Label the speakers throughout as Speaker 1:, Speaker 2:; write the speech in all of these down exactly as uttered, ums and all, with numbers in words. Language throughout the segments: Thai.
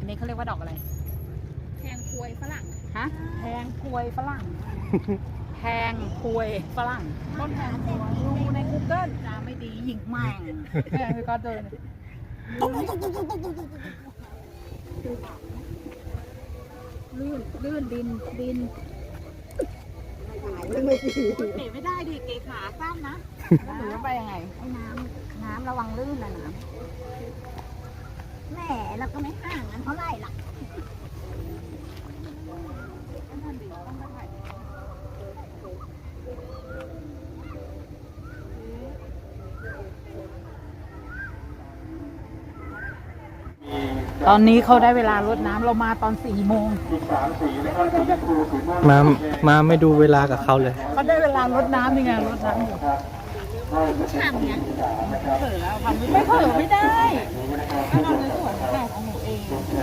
Speaker 1: อันนี้เขาเรียกว่าดอกอะไร
Speaker 2: แทงควยฝรั่ง
Speaker 1: ฮะแทงควยฝรั่งแทงควยฝรั่งต้นแทงควยดูใน Google จะไม่ดีหญิงแม่งแม่พี่ก็เดินลื่นลื่นดินดินไม่ดีเก๋ไม่ได้ดิเก๋ขาสั้นนะหรือว่าไปยังไงไอ้น้ำน้ำระวังลื่นนะน้ำแหมเราก็ไม่ห่างกันเท่าไหร่ล่ะตอนนี้เขาได้เวลารดน้ำเรามาตอนสี่โมง
Speaker 3: มามาไม่ดูเวลากับเขาเลย
Speaker 1: เขาได้เวลารดน้ำยังไงรดน้ำอยู่ทำไงเผลอแล้วทำไม่เผลอไม่ได้ถ้าเราในส่วนของของหนูเอง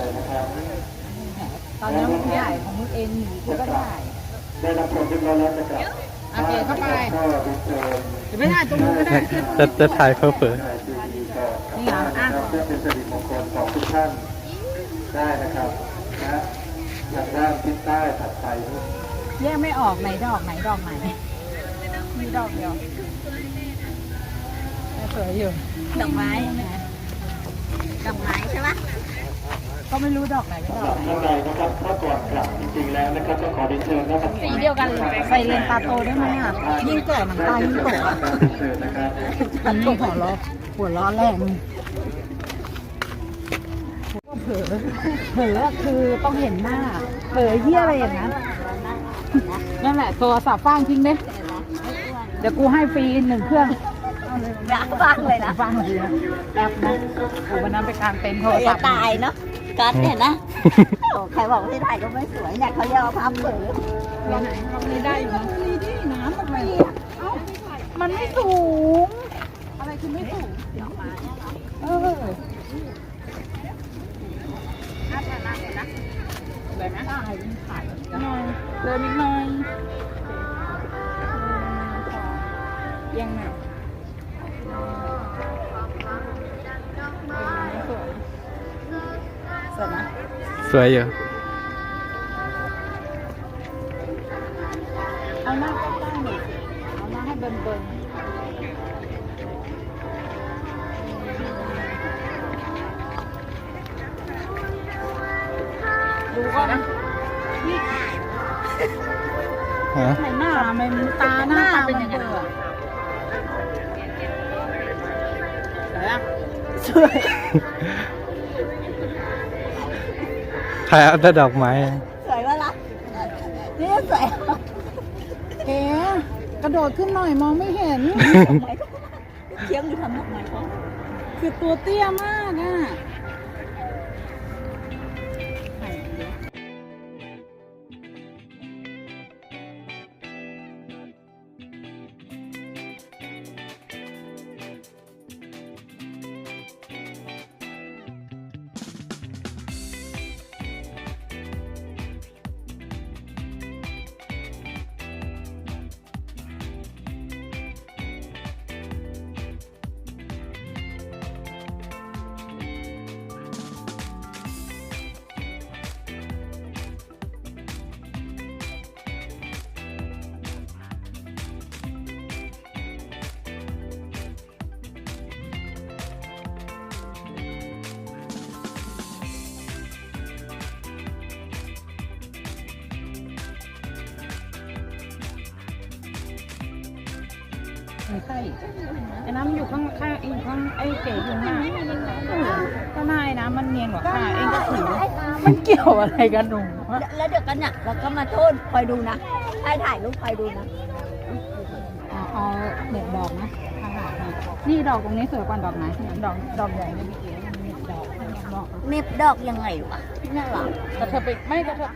Speaker 1: ตอนนี้มันใหญ่ของมึงเองหนูก็ได้ได้รับผลเป็นร้อยแล้วนะครับโอเคเข้าไปเดี๋ยวไม่ถ่ายตรงนู้นก็ได้
Speaker 3: จะจะถ่ายเพิ่มเพิ่ม
Speaker 1: นี่เหรออ่ะ
Speaker 4: เพื่อเป็นสิริมงคลของทุกท่านได้นะครับนะทางด้านทิศใต้ถัดไป
Speaker 1: แยกไม่ออกไหนดอกไหนดอกไหนมีดอกเดียวสวยอยู่
Speaker 2: ดอกไม้ดอกไม้ใช่ปะ
Speaker 1: ก็ไม่รู้ดอกไหนไม่ดอกไหน
Speaker 4: ข้างในนะครับถ้าก่อนกลับจริงๆแล้วนะครับจะขอเรียนเชิญนะครับ
Speaker 1: สีเดียวกันเลยใส่เลนตาโตได้ไหมอ่ะยิ่งแก่หนังตายิ่งโตอ่ะฉันนี่หัวล้อหัวล้อแรงเผลอเผลอคือต้องเห็นหน้าเผลอเหี้ยอะไรอย่างนั้นนั่นแหละตัวสับฟางทิ้งเด้เดี๋ยวกูให้ฟรีหนึ่งเครื่อง
Speaker 2: อยากฟังเลยนะ
Speaker 1: ฟังเลยนะแอปนะโอ้วันนั้นไปการเต็นโทรศัพท์
Speaker 2: ตายเนาะกัดเนี่ยนะโอ้ใครบอกที่ถ่ายก็ไม่สวยเนี่ยเขาเรียกว่าพับเผลอ
Speaker 1: วันไหนทำนี้ได้อยู่นะนี่ดิน้ำทำไมเอ้ามันไม่สูงอะไรคือไม่สูงดอกไม้เออน่าทานมากเลยนะเลยไหมได้ถ่ายหน่อยเดินนิดหน่อยยังไงสวยนะ
Speaker 3: สวยอยู่
Speaker 1: เอาหน้าใกล้ๆหน่อยสิเอาหน้าให้เบิ่นๆดูก่อนนะนี่ไหนหน้ามันตาหน้าตาเป็นยังไงสวย
Speaker 3: ใครเอาแต่ดอกไม้
Speaker 2: สวยว่าล่ะนี่สวย
Speaker 1: เอ๋กระโดดขึ้นหน่อยมองไม่เห็น
Speaker 2: เชี่ยงอยู่ทำดอกไม้เขา
Speaker 1: คือตัวเตี้ยมากอ่ะใช่ไอ้น้ำอยู่ข้างข้างอยู่ข้างไอ้เก๋อยู่หน้าก็นายนะมันเนียนกว่าข้าเองก็ถือมันเกี่ยวอะไรกันหนู
Speaker 2: แล้วเดี๋ยวกันเนี่ยเราก็มาโทษคอยดูนะให้ถ่ายรูปคอยดูนะ
Speaker 1: เอาเด็ดดอกนะข้างหลังนี่ดอกตรงนี้สวยกว่าดอกไหนดอกดอกใหญ่ไม่มีเก๋เน็บดอก
Speaker 2: เน็บดอกยังไงวะน่ารัก
Speaker 1: กระเทยไปไม่กระเทย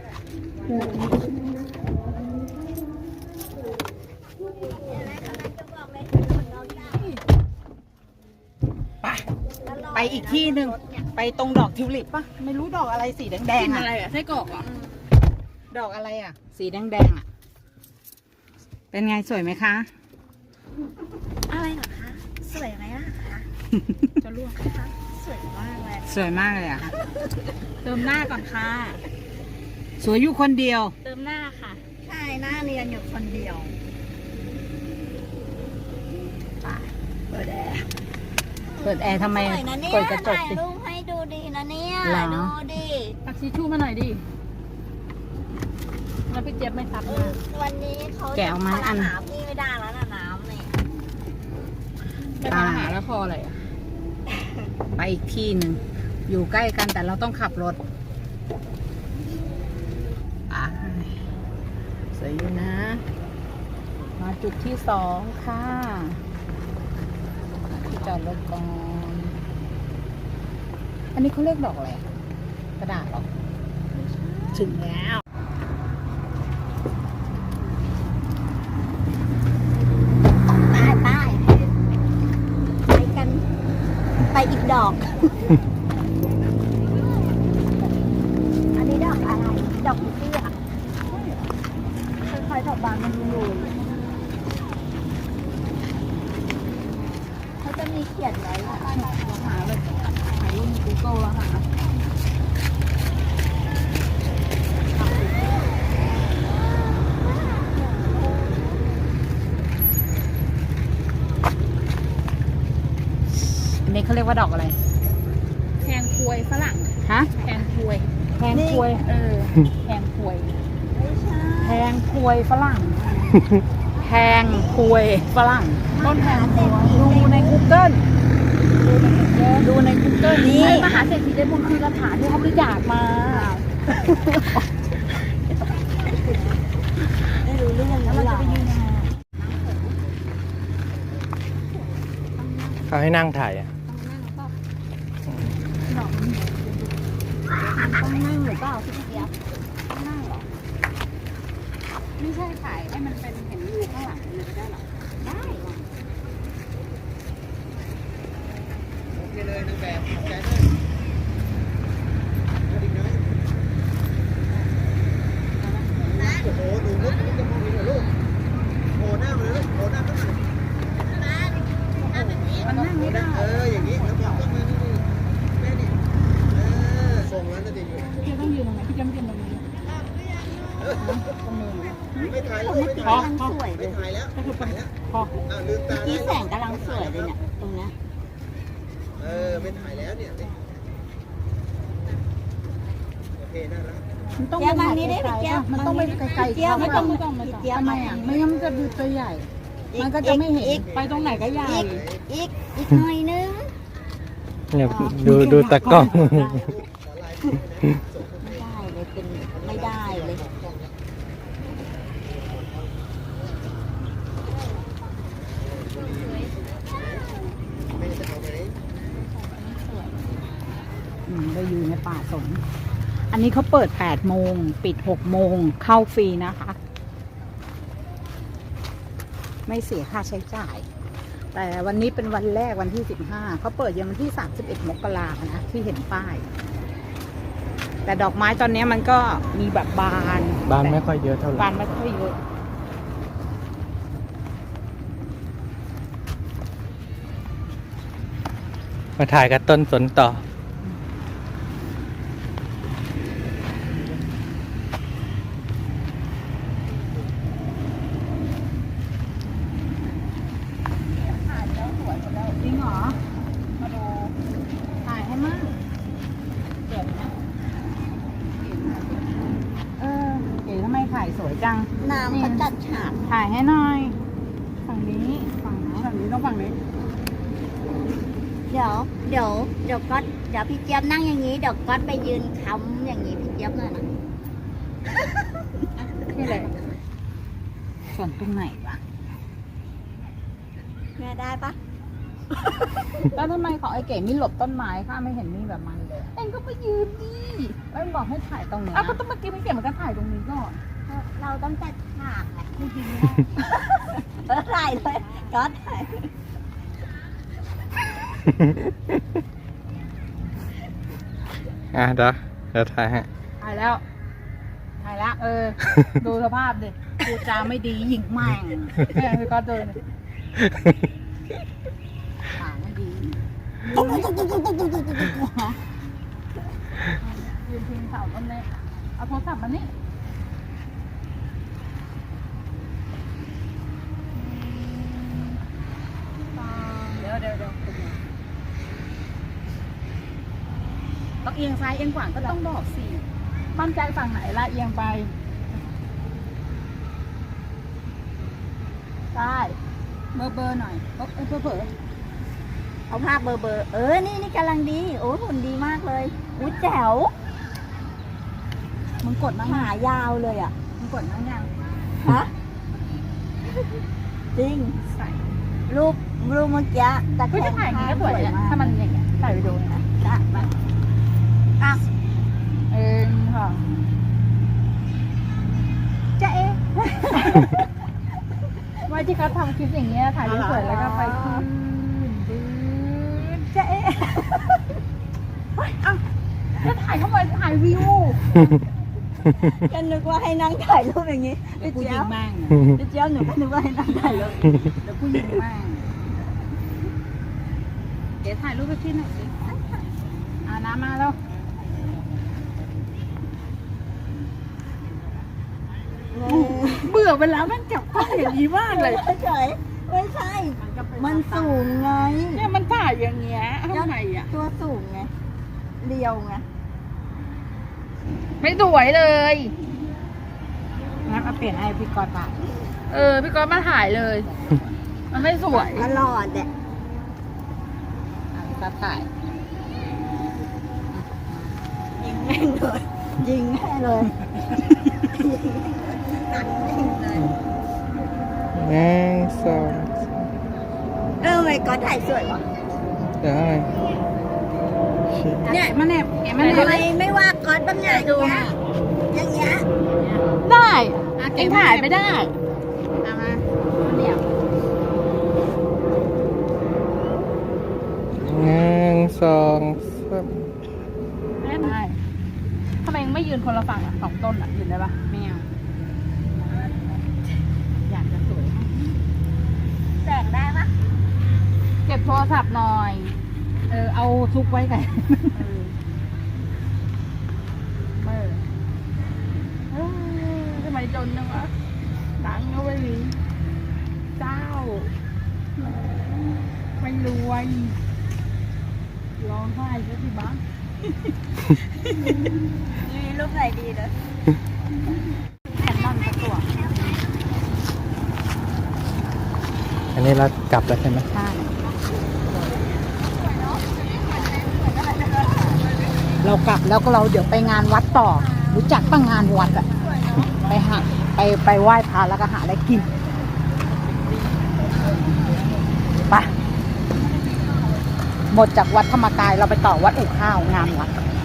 Speaker 1: ไปอีกที่หนึ่งไปตรงดอกทิวลิปป่ะไม่รู้ดอกอะไรสีแดงๆอะไรอ่ะไส้กรอกอ่ะดอกอะไรอ่ะสีแดงๆอ่ะเป็นไงสวยไหมคะ
Speaker 2: อะไรเหรอคะสวยไหมล่ะคะ
Speaker 1: จะลวก
Speaker 2: สสวยมากเลย
Speaker 1: สวยมากเลยอ่ะ เติมหน้าก่อนค่ะ สวยอยู่คนเดียว
Speaker 2: เติมหน้าค่ะ ใช่หน้าเรียนอยู่คนเดียว
Speaker 1: เปิดแอร์ เปิดแอร์ทำไม
Speaker 2: สวยนะเนี่ย
Speaker 1: เปิดกระจก
Speaker 2: ถ่าย
Speaker 1: สิ
Speaker 2: รูปให้ดูดีนะเนี่ย
Speaker 1: เหรอ
Speaker 2: ดูดิ
Speaker 1: ตักชิชชู่มาหน่อยดิ แล้วพี่เจี๊ยบไม่ซับ
Speaker 2: เอ
Speaker 1: มา
Speaker 2: อวันนี้เขา
Speaker 1: แกะออกมาอัน
Speaker 2: น้ำพี่ไม่ได้แล้วนะน้ำนี่
Speaker 1: ไปทำอาหารแล้วพออะไรอ่ะ ไปอีกที่หนึ่ง อยู่ใกล้กันแต่เราต้องขับรถอ่ะสวยอยู่นะ มาจุดที่สองค่ะ ที่จอดรถก่อน อันนี้เขาเรียกดอกอะไรอะกระดาษหรอ ถึงแล้ว
Speaker 2: ไปไปไปกัน ไปอีกดอก อันนี้ดอกอะไร ดอกเตี้ยค่อยๆดอกบานมันดูเขาจะมีเขียนไว้ว่า
Speaker 1: หาเลยหารูปใน Google แล้วหาอันนี้เขาเรียกว่าดอกอะไร
Speaker 2: แทงควยฝรั่ง
Speaker 1: ฮะ
Speaker 2: แทงควย
Speaker 1: แพงควย
Speaker 2: เออ
Speaker 1: แพงควย
Speaker 2: ไม่ใช่
Speaker 1: แพงควยฝรั่ง แพงควยฝรั่ง ต้นแพงควยดูใน Google ดูใน Google
Speaker 2: นี่
Speaker 1: นี่มหาเศรษฐีได้บุญคือกระถางที่เขาบริจาคมา
Speaker 2: ไม่รู้เรื่อง
Speaker 1: แล้วเรา
Speaker 2: หร
Speaker 1: จะ
Speaker 2: อ
Speaker 1: ไปยืนยังไงอะ
Speaker 3: เขาให้นั่งถ่ายอ่ะ
Speaker 2: ต้องนั่งหรือเปล่าพี่เจี๊ยบต้องนั่งเหรอ
Speaker 1: ไม่ใช่ถ่ายให้มันเป็นเห็นวิวข้างหลังเลยได้หรอ
Speaker 2: ได้เหรอ
Speaker 1: มันนั่งไม่ได้
Speaker 4: เออ อย่างนี้แล้วบอกก็มือนี่แม่นี่เออส่งแล้วนะเด็กอยู่
Speaker 1: พี่ต้องยืนตรงไหนพี่จะไม่ยืนตรงนี้ตรงมือ
Speaker 4: ไม่ถ่ายแล้ว
Speaker 2: เมื่อ
Speaker 4: ไม่
Speaker 2: กี้
Speaker 4: ถ่าย
Speaker 2: กำลังสวยเล
Speaker 4: ไม่
Speaker 2: ย
Speaker 4: ถ่ายแล้วไม่ถ่ายแล้ว
Speaker 1: พอ
Speaker 4: อ่ะลืมตา
Speaker 2: เมื่อ
Speaker 4: ได้
Speaker 2: กี้แสงกำลังสวยเลยเนี่ยตรงเนี้ย
Speaker 4: เออไม่ถ่ายแล้วเนี่ยโอเคน่ารัก
Speaker 1: มันต้อง
Speaker 2: เจี๊ยบมานี้ได้
Speaker 1: ไก
Speaker 2: พี่
Speaker 1: ล
Speaker 2: เจี๊ยบ
Speaker 1: ๆมันต้องไปไกลๆ
Speaker 2: เจี๊ยบ
Speaker 1: ไม่
Speaker 2: ไม่
Speaker 1: ต้
Speaker 2: ต้
Speaker 1: อ
Speaker 2: อง ง
Speaker 1: ไม่ต้องไม่
Speaker 2: พี่
Speaker 1: ต้อง
Speaker 2: เจี๊ยบ
Speaker 1: ทำไม
Speaker 2: มา
Speaker 1: อ่ะไม่งั้นมันจะดูตัวใหญ่ มันก็จะไม่เห็น
Speaker 2: อีก
Speaker 1: ไปตรงไหนก็ใหญ่
Speaker 2: อีกอีกอีกหน่อยนึง
Speaker 3: เนี่ยดูดูตากล้อง
Speaker 2: ไม่ได้เลยเป็นไม่ได้เลย
Speaker 4: ไม่จะเอาไหม
Speaker 1: อืมเราอยู่ในป่าสน อันนี้เขาเปิดแปดโมง ปิดหกโมง เข้าฟรีนะคะ ไม่เสียค่าใช้จ่าย แต่วันนี้เป็นวันแรกวันที่สิบห้า เขาเปิดยังวันที่สามสิบเอ็ดมกราคมนะที่เห็นป้าย แต่ดอกไม้ตอนนี้มันก็มีแบบบาน
Speaker 3: บ้านไม่ค่อยเยอะเท่าไหร่
Speaker 1: บานไม่ค่อยเยอะ
Speaker 3: มาถ่ายกับต้นสนต่อ
Speaker 1: จริงเหรอ มาดู ถ่ายให้มั่งเก๋นะเออเก๋ทำไมถ่ายสวยจัง
Speaker 2: น้ำเขาจัดฉาก
Speaker 1: ถ่ายให้หน่อย ฝั่งนี้ ฝั่งนี้ฝั่งนี้ต้องฝั่งนี้
Speaker 2: เดี๋ยวเดี๋ยวเดี๋ยวก็เดี๋ยวพี่เจี๊ยบนั่งอย่างนี้เดี๋ยวก็ไปยืนค้ำอย่างนี้พี่เจี๊ยบหน่อยนะ
Speaker 1: นี่เลยส่วนตรงไหนวะ
Speaker 2: แม่ได้ปะ
Speaker 1: แล้วทำไมของไอ้เก๋มีหลบต้นไม้ข้าไม่เห็นมีแบบมันเลยเอ็งก็ไปยืนดิแล้วมันบอกให้ถ่ายตรงนี้อ้าวก็ต้องเมื่อกี้ไม่เก๋มันก็ถ่ายตรงนี้ก่อน
Speaker 2: เราต้องจัดฉากไงไม่จริงไม่ได้เออถ่ายเลยก็ถ่าย
Speaker 3: อ่ะเดี๋ยวเดี๋ยวถ่ายให้
Speaker 1: ถ่ายแล้ว ถ่ายแล้ว เออ ดูสภาพดิพูดจาไม่ดีหญิงแม่งแม่งพี่ก็เดินขาไม่ดียืนพิงเสาต้นเล็กเอาโทรศัพท์มานี่เดี๋ยวเดี๋ยวเดี๋ยวต้องเอียงซ้ายเอียงขวาก็ต้องบอกสิมั่นใจฝั่งไหนละเอียงไปได้เบอร์เบอร์หน่อยเบอร์เบอร์เบอร์
Speaker 2: เอาภาพเบอร์เบอร์เออนี่นี่กำลังดีโอ้หุ่นดีมากเลยอุ้ยแจ๋ว
Speaker 1: มึงกดนั่ง
Speaker 2: หายาวเลยอ่ะ
Speaker 1: มึงกดนั่งยัง
Speaker 2: ฮะจริง
Speaker 1: ใส่
Speaker 2: รูปรูปเมื่อกี้ตะแค
Speaker 1: ก็จะ
Speaker 2: ง
Speaker 1: ถ่ายอย่างนี้ก็สวยเนี่ย
Speaker 2: มาก
Speaker 1: ถ้ามันอย่างเงี้ยถ่ายวิดีโอนะ
Speaker 2: จ้ะมาอ่ะ
Speaker 1: เองค่ะจะเอ๊ะ ว่าที่เขาทำคลิปอย่างเงี้ยถ่ายสวยๆแล้วก็ไปขึ้นดื้อจะเอ๊ะเฮ้ยอ่ะจะถ่ายเข้ามาถ่ายวิว
Speaker 2: ก็นึกว่าให้นั่งถ่ายรูปอย่างนี้
Speaker 1: เดี๋ยวกู
Speaker 2: พี่
Speaker 1: ยิ
Speaker 2: เจี๊ย
Speaker 1: ง
Speaker 2: บ
Speaker 1: แม่ง
Speaker 2: พี่เจี๊ยบหนูก็นึกว่าให้นั่งถ่ายรูป
Speaker 1: เดี๋ยวกูยิงแม่งเดี๋ยวถ่ายรูปไปที่หน่อยสิอ่าน้ำมาแล้ว เบื่อเวลาแม่งจับกล้องอย่างนี้มากเลย
Speaker 2: ไม่ใช่ไม่ใช่ มันสูงไง
Speaker 1: เนี่ยมันถ่ายอย่างเงี้ยทำไมอ่ะ
Speaker 2: ตัวสูงไงเรียวไง
Speaker 1: ไม่สวยเลยงั้นเอาเปลี่ยนให้พี่กอตถ่ายเออพี่กอตมาถ่ายเลย มันไม่สวย
Speaker 2: ตลอดแหละ
Speaker 1: อ่ะพี่กอตถ่าย
Speaker 2: ยิงแม่งเลยยิงแม่เลยตัดแม่งเลย
Speaker 3: หนึ่งสอง
Speaker 2: เออไม่ก็ถ่ายสวยว่ะ
Speaker 3: เดี๋ยวให้
Speaker 1: เนี่ยมันแนบแกมันแน
Speaker 2: ทำ
Speaker 1: บ
Speaker 2: ไมไม่ว่าก๊อตบ้างไงอย่างเงี้ยอย่างเงี้ย
Speaker 1: ได้เองถ่ายไม่ได้เอามาเดี๋ยว
Speaker 3: หนึ่งสองสาม
Speaker 1: ได้ทำไมเองไม่ยืนคนละฝั่งอ่ะสองต้นอ่ะยืนได้ปะไม่เอาอยากจะสวย
Speaker 2: แสงได้ปะ
Speaker 1: เก็บโทรศัพท์หน่อย เออ เอาซุกไว้ไงเออเออทำไมจนจังวะตังค์ก็ไม่มีเจ้า ไม่รวยร้องไห้ซะสิบ้าง
Speaker 2: มีรูปไหนดีเลย
Speaker 1: แผ่นนั่นสักตัว
Speaker 3: อันนี้เรากลับแล้วใช่ไหม
Speaker 1: ใช่เรากลับแล้วก็เราเดี๋ยวไปงานวัดต่อ รู้จักตั้งงานวัดอะไปหาไปไปไหว้พระแล้วก็หาอะไรกินไปหมดจากวัดธรรมกายเราไปต่อวัดอู่ข้าวงานวัด